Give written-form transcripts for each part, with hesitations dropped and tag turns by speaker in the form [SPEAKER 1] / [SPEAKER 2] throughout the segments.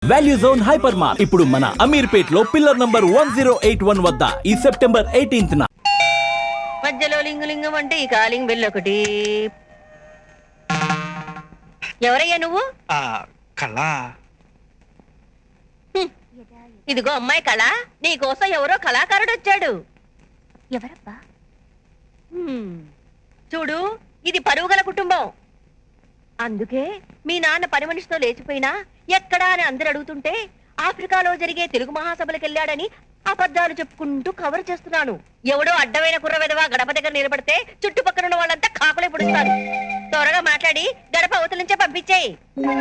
[SPEAKER 1] Value zone hyper mart ఇప్పుడు మన అమీర్పేట్ లో పిల్లర్ నంబర్ 1081 వద్ద ఈ సెప్టెంబర్ 18th
[SPEAKER 2] మధ్యలో లింగలింగం అంటే ఈ కాలింగ్ బెల్ ఒకటి. ఎవరయ్యా నువ్వు?
[SPEAKER 3] కళ.
[SPEAKER 2] ఇదిగో అమ్మాయి కళ, నీ కోసం ఎవరో కళాకారుడు వచ్చాడు.
[SPEAKER 4] ఎవరబ్బా?
[SPEAKER 2] చూడు, ఇది పరువుగల కుటుంబం. అందుకే మీ నాన్న పని మనిషితో లేచిపోయినా ఎక్కడా అని అందరు అడుగుతుంటే ఆఫ్రికాలో జరిగే తెలుగు మహాసభలకు వెళ్ళాడని అబద్ధాలు చెప్పుకుంటూ కవర్ చేస్తున్నాను. ఎవడో అడ్డమైన కుర్ర విధవా గడప దగ్గర నిలబడితే చుట్టుపక్కల ఉన్న వాళ్ళంతా కాకులే పుడుస్తారు. త్వరగా మాట్లాడి గడప అవతల నుంచే పంపించేయి.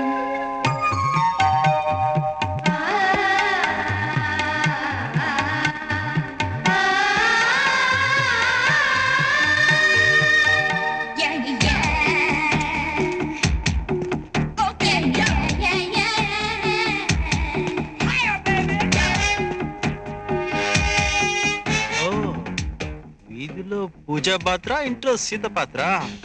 [SPEAKER 3] వీధిలో పూజా పాత్ర, ఇంట్లో సీత పాత్ర.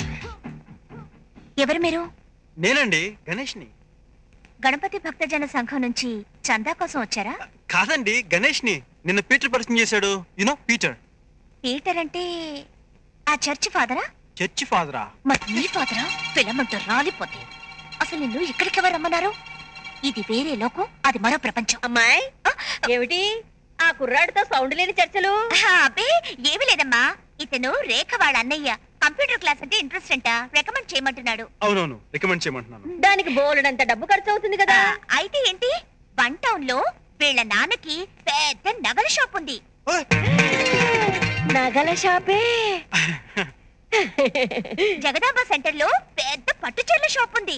[SPEAKER 4] ఎవరు మీరు?
[SPEAKER 3] నేనండి, గణేష్ని.
[SPEAKER 4] గణపతి భక్తజన సంఘం నుంచి చందా కోసం వచ్చారా?
[SPEAKER 3] కాదండి, గణేష్ని. నిన్న పీటర్ పరిచయం చేశాడు. You know Peter.
[SPEAKER 4] పీటర్ అంటే ఆ చర్చి ఫాదరా?
[SPEAKER 3] చర్చి ఫాదరా?
[SPEAKER 4] మరి నీ ఫాదరా? పిల్లమంటూ రాలిపోతే అసలు నిన్ను ఇక్కడికి ఎవరు రమ్మన్నారు? ఇది వేరే లోకం, అది మరో ప్రపంచం.
[SPEAKER 2] అమ్మాయి, ఏమిటి ఆ కుర్రాడితో సౌండ్ లేని చర్చలు?
[SPEAKER 4] అబ్బే ఏమి లేదమ్మా, ఇతను రేఖ వాళ్ళ అన్నయ్య. కంప్యూటర్ క్లాస్ అంటే ఇంట్రెస్ట్ అంట, రికమెండ్ చేయమంటున్నాడు.
[SPEAKER 3] అవునవును, రికమెండ్ చేయమంటున్నాను.
[SPEAKER 2] దానికి బోలెడంత డబ్బు ఖర్చు అవుతుంది కదా.
[SPEAKER 4] అయితే ఏంటి, వన్ టౌన్ లో వీళ్ళ నాన్నకి పెద్ద నగల షాప్ ఉంది.
[SPEAKER 2] నగల షాపే?
[SPEAKER 4] జగదాంబ సెంటర్ లో పెద్ద పట్టుచీరల షాప్ ఉంది.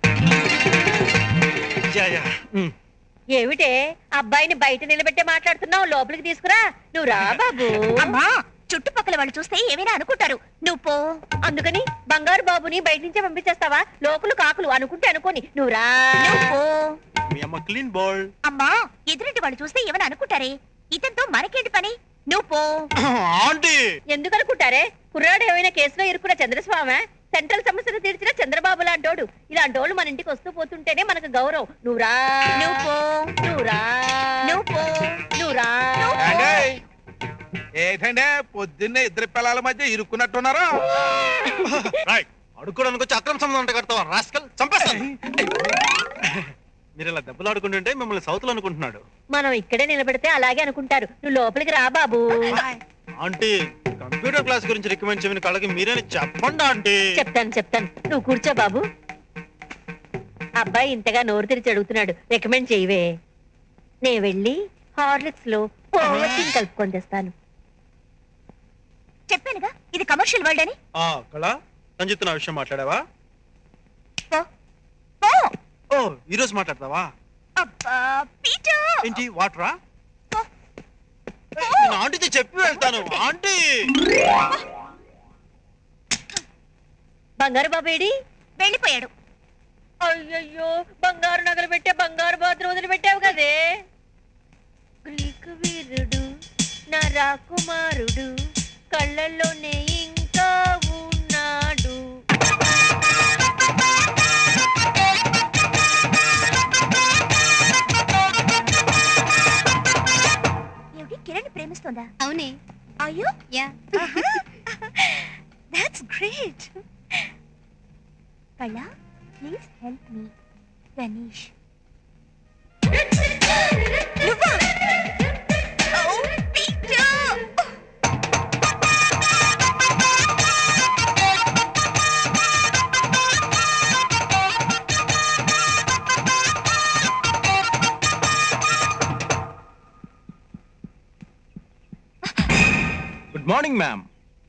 [SPEAKER 2] ఏమిటే అబ్బాయిని బయట నిలబెట్టే మాట్లాడుతున్నావు? లోపలికి తీసుకురా. నువ్వు రా బాబు.
[SPEAKER 4] అమ్మా, చుట్టుపక్కల వాళ్ళు చూస్తే ఏమైనా అనుకుంటారు, నువ్వు పో.
[SPEAKER 2] అందుకని బంగారు బాబుని బయట నుంచే పంపించేస్తావా? లోకులు కాకులు అనుకుంటే అనుకోని నువ్వు రా.
[SPEAKER 3] మీ అమ్మ క్లీన్ బాల్.
[SPEAKER 4] అమ్మా, ఎదురింటి వాళ్ళు చూస్తే ఏమైనా అనుకుంటారే, ఇతనితో మనకేంటి పని, నువ్వు పో.
[SPEAKER 3] ఆంటీ,
[SPEAKER 2] ఎందుకు అనుకుంటారే? కుర్రాడు ఏమైనా కేసులో ఇరుక్కున్న చంద్రస్వామి, సెంట్రల్ సమస్యను తీర్చిన చంద్రబాబు లాంటోడు. ఇలాంటోళ్ళు మన ఇంటికి వస్తూ పోతుంటేనే మనకు గౌరవం. నువ్వురా,
[SPEAKER 4] నువ్వు పో,
[SPEAKER 2] నువ్వురా,
[SPEAKER 4] నువ్వు పో,
[SPEAKER 2] నువ్వురా.
[SPEAKER 5] ఏంటంటే పొద్దున్నే ఇద్దరు పిల్లల మధ్య ఇరుక్కున్నట్టున్నారా?
[SPEAKER 3] అడుక్కోడానికి వచ్చి అక్రమ సంబంధం కడతావా రాస్కల్? చంపేస్తాను. మీరు ఇలా దెబ్బలు ఆడుకుంటుంటే మిమ్మల్ని సౌతులు అనుకుంటున్నాడు.
[SPEAKER 2] మనం ఇక్కడే నిలబెడితే అలాగే అనుకుంటారు. నువ్వు లోపలికి రా బాబు.
[SPEAKER 3] ఆంటీ, కంప్యూటర్ క్లాస్ గురించి రికమెండ్ చేయమని కళ్ళకి మీరేని చెప్పండి ఆంటీ.
[SPEAKER 2] చెప్తాను. నువ్వు కూర్చో బాబు. అబ్బాయి ఇంతగా నోరు తెరిచి అడుగుతున్నాడు, రికమెండ్ చేయవే. నే వెళ్ళి హార్లిక్స్ లో ఓవర్టీన్ కలుపుకొని తెస్తాను.
[SPEAKER 4] చెప్పానుగా ఇది కమర్షియల్ వరల్డ్ అని.
[SPEAKER 3] కళ, సంజిత్ నా విషయం మాట్లాడావా?
[SPEAKER 4] పో, పో.
[SPEAKER 3] ఓ, ఈ రోజు మాట్లాడతావా?
[SPEAKER 4] అబ్బా పీటర్,
[SPEAKER 3] ఏంటి వాటరా? నేను ఆంటీతో చెప్పి వెళ్తాను. ఆంటీ,
[SPEAKER 2] బంగారు బాబేడి?
[SPEAKER 4] వెళ్ళిపోయాడు.
[SPEAKER 2] అయ్యయ్యో, బంగారు నగలు పెట్టే బంగారు బాతులు వదిలిపెట్టావు కదే. గ్రీకు వీరుడు నా రాకుమారుడు, కళ్ళల్లోనే ఇంకా ఉన్నాడు.
[SPEAKER 4] కిరణ్ ప్రేమిస్తుందా?
[SPEAKER 6] అవునే.
[SPEAKER 4] అయ్యో
[SPEAKER 6] yeah,
[SPEAKER 4] that's great. Kala, please help me. Ganesh. నువ్వా? ఓ పీటర్.
[SPEAKER 3] Good morning ma'am.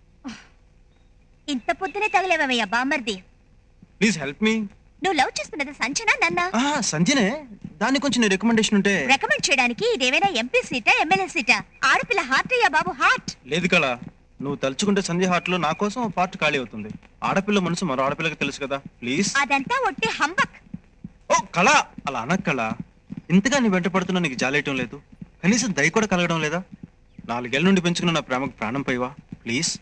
[SPEAKER 4] ఇంత పొద్దునే తగలేవయ్యా బామర్ది.
[SPEAKER 3] Please help me.
[SPEAKER 4] నువ్వు లవ్ చేస్తున్నది సంజనా నన్నా?
[SPEAKER 3] సంజనే. దాని కొంచెం రికమెండేషన్ ఉంటే.
[SPEAKER 4] రికమెండ్ చేయడానికి ఇదేమైనా ఎంపీ సీటా, ఎమ్మెల్యే సీటా? ఆడపిల్ల హార్ట్ అయ్యా బాబు, హార్ట్.
[SPEAKER 3] లేదు కళ, నువ్వు తలుచుకుంటే సంధ్య హార్ట్ లో నా కోసం పార్ట్ ఖాళీ అవుతుంది. ఆడపిల్ల మనసు మరో ఆడపిల్లకి తెలుసు కదా, ప్లీజ్.
[SPEAKER 4] అదంతా ఒట్టి హంబక్.
[SPEAKER 3] ఓ కళ, అలా అనక్ కళ. ఇంతగా నీ వెంట పడుతున్నా నీకు జాలేయటం లేదు? కనీసం దయ కూడా కలగడం లేదా? 4 ఏళ్ల నుండి పెంచుకున్న నా ప్రేమకు ప్రాణం పైవా, ప్లీజ్.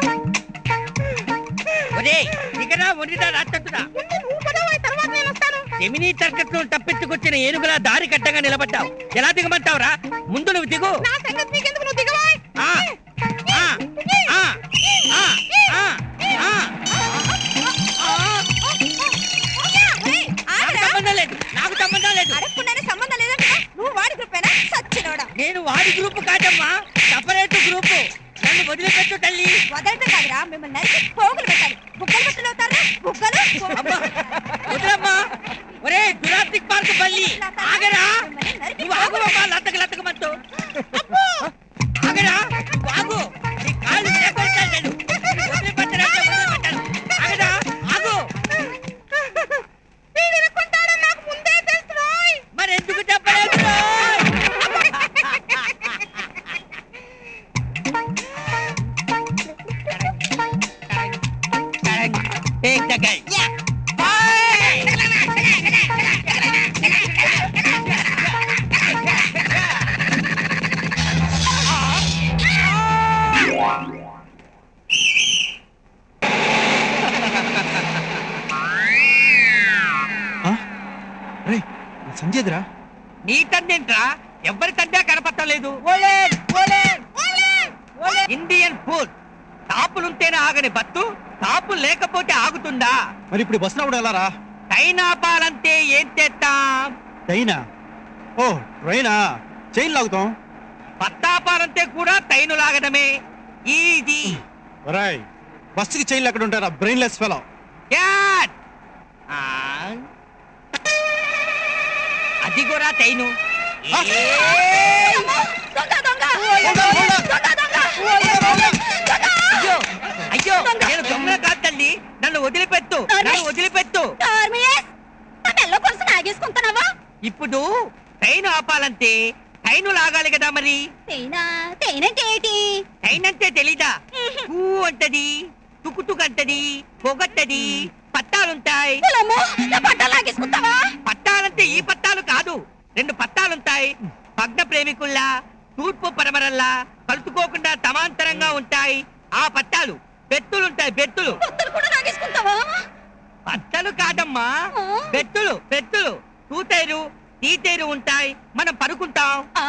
[SPEAKER 7] ఒరే, ఇక్కడ వండిదా రాత్రంతుడా?
[SPEAKER 4] తర్వాత నేను వస్తాను.
[SPEAKER 6] జమినీ తర్కట్లో తప్పించుకొచ్చిన ఏనుగులా దారి కట్టంగా నిలబడ్డావు. ఎలా దిగమంటావురా? ముందు నువ్వు దిగు. ఆ, ఆ, ఆ, ఆ, ఆ, ఆ. నాకు సంబంధం లేదు. నేను వాడి గ్రూప్ కాదమ్మా, సపరేట్ గ్రూపు. నన్ను వదిలిపెట్టు తల్లి. అమ్మా, వదిలమ్మా. ఒరే జురాసిక్ పార్క్ బల్లి, ఆగరా. నువ్వు ఆగువమ్మా, లతకమంటూ. ఆగరా, నువ్వు ఆగు. నీ కాళ్ళు చేకొడతాను నేను. వదిలిపెట్టనంటే వదిలిపెట్టాను. ఆగరా, ఆగు. మరి ఎందుకు చెప్పలేదు? Take the guy.
[SPEAKER 3] సంజయ్రా
[SPEAKER 6] నీ తండ్రింట్రా, ఎవరి తండ్రి కనపడటం లేదు. ఇండియన్ ఫుడ్ తాపులుంటేనే ఆగని బత్తు, తాపులు లేకపోతే ఆగుతుందా?
[SPEAKER 3] మరి ఇప్పుడు బస్ రావడం ఎలా రా?
[SPEAKER 6] టైనాపాలంటే ఏం చేస్తాం?
[SPEAKER 3] ట్రైనా? ఓ ట్రైనా, చైన్ లాగుతాం.
[SPEAKER 6] పత్తాపాలంటే కూడా టైను లాగడమే. ఈజీ.
[SPEAKER 3] ఒరేయ్, బస్సుకి చైన్లు ఎక్కడ ఉంటారా? Brainless fellow.
[SPEAKER 6] క్యాట్. అది కూడా టైను. అయ్యో అయ్యో, నేను దొంగ కాదు తల్లి. నన్ను వదిలిపెట్టు, నన్ను వదిలిపెట్టు. ఇప్పుడు ట్రైన్ ఆపాలంటే టైను లాగాలి కదా. మరి టైన్ అంటే తెలీదా? ఊ అంటది, తుకుతుకు అంటది, పొగట్టది, పట్టాలుంటాయి. పట్టాలంటే ఈ పట్టాలు కాదు, 2 పట్టాలుంటాయి. భగ్న ప్రేమికుల్లా, తూర్పు పరమరల్లా కలుసుకోకుండా సమాంతరంగా ఉంటాయి. ఆ పట్టాలు బెత్తులుంటాయి. బెత్తులు పట్టలు కాదమ్మా, బెత్తులు. బెత్తులు తూతేరు తీతేరు ఉంటాయి. మనం పడుకుంటాం.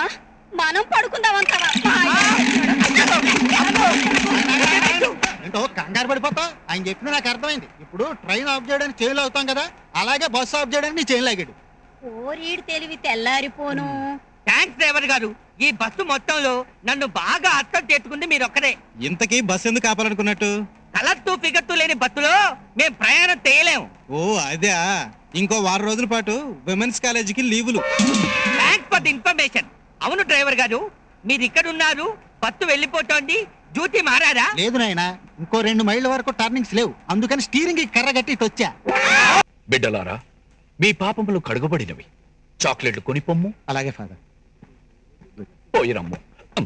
[SPEAKER 7] ఏంటో కంగారు పడిపోతా. ఆయన చెప్పిన నాకు అర్థమైంది. ఇప్పుడు ట్రైన్ ఆఫ్ చేయడానికి చైన్లు అవుతాం కదా, అలాగే బస్సు ఆఫ్ చేయడానికి నీ చైన్ లాగాడు.
[SPEAKER 2] తెలివి తెల్లారిపోను.
[SPEAKER 6] థ్యాంక్స్ డ్రైవర్ గారు. ఈ బస్సు మొత్తంలో నన్ను బాగా అర్థం చేసుకుంది మీరొక్కరే.
[SPEAKER 3] ఇంతకీ బస్ ఎందుకు ఆపాలనుకున్నట్టు?
[SPEAKER 6] కలర్తూ ఫిగర్తూ లేని బస్సులో మేం ప్రయాణం చేయలేము.
[SPEAKER 3] ఓ అదే. ఇంకో 6 రోజుల పాటు విమెన్స్ కాలేజీకి లీవులు.
[SPEAKER 6] Thanks for the information. అవును డ్రైవర్ గారు, మీరు ఇక్కడ ఉన్నారు, బస్సు వెళ్ళిపోతోంది. డ్యూటీ మారారా?
[SPEAKER 7] లేదు నాయన, ఇంకో 2 మైళ్ళ వరకు టర్నింగ్స్ లేవు. అందుకని స్టీరింగ్ కర్ర కట్టి ఇటు వచ్చా.
[SPEAKER 1] బిడ్డలారా, మీ పాపములు కడుగబడినవి. చాక్లెట్లు కొని పొమ్ము.
[SPEAKER 7] అలాగే ఫాదర్.
[SPEAKER 1] పోయిరమ్ము.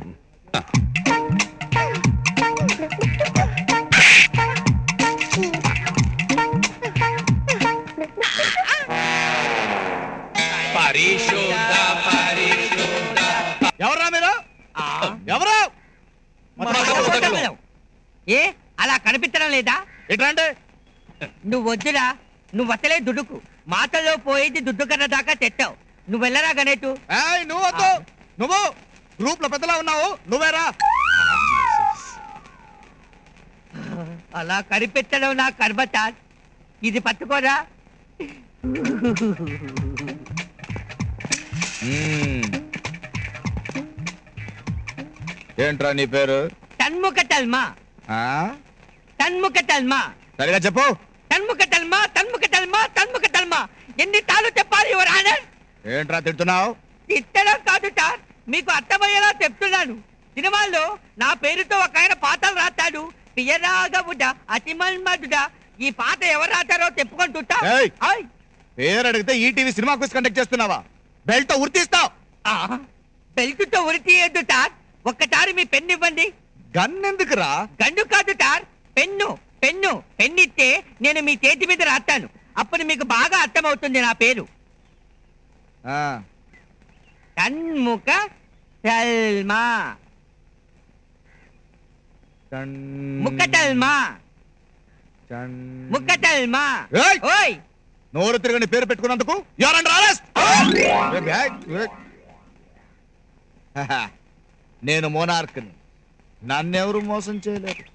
[SPEAKER 3] ఎవరా మీరు? ఎవరు?
[SPEAKER 6] ఏ అలా కనిపించడం లేదా?
[SPEAKER 3] ఎట్లా?
[SPEAKER 6] నువ్వు వద్దురా, నువ్వు అసలే దుడుకు. మాటల్లో పోయేది దుడ్డు కర్ర దాకా తెచ్చావు. నువ్వు వెళ్ళరా గణేటు.
[SPEAKER 3] నువ్వు వద్దు. నువ్వు గ్రూప్ లో పెద్దలా ఉన్నావు, నువ్వేరా.
[SPEAKER 6] అలా కనిపించడం నా కర్మత. ఇది పట్టుకోరా.
[SPEAKER 5] ఏంట్రా నీ పేరు?
[SPEAKER 6] తన్ముఖ తల్మా. తన్ముఖ తల్మా.
[SPEAKER 5] సరిగా చెప్పు.
[SPEAKER 6] తన్ముఖ తల్మా, తన్ముఖ తల్మా, తన్ముఖ తల్మా. ఎన్ని తాళ్ళు చెప్పాలి యువర్ ఆనర్?
[SPEAKER 5] ఏంట్రా తిడుతున్నావు?
[SPEAKER 6] తిట్టడం కాదు సార్, మీకు అర్థమయ్యేలా చెప్తున్నాను. సినిమాల్లో నా పేరుతో ఒక ఆయన పాటలు రాస్తాడు. పియరాగవుడ అతిమన్మధుడ. ఈ పాట ఎవరు రాస్తారో చెప్పుకుంటుంటా.
[SPEAKER 5] ఏయ్! పేరు అడిగితే ఈటీవీ సినిమా క్విజ్ కండక్ట్ చేస్తున్నావా? బెల్ట్ ఉరితీస్తావు.
[SPEAKER 6] బెల్ట్తో ఉరి తీయద్దు సార్. ఒక్కసారి మీ పెన్ను ఇవ్వండి.
[SPEAKER 5] గన్ ఎందుకురా?
[SPEAKER 6] గండు కాదు సార్, పెన్ను. పెన్ను పెన్నిస్తే నేను మీ చేతి మీద రాస్తాను. అప్పుడు మీకు బాగా అర్థమవుతుంది నా పేరు. తన్ముఖ తల్మా. ముఖ తల్మా. ముఖ తల్మా. ఓయ్
[SPEAKER 5] నోరు తిరగని పేరు పెట్టుకున్నందుకు you're under arrest. నేను మోనార్క్ని, నన్నెవరు మోసం చేయలేరు.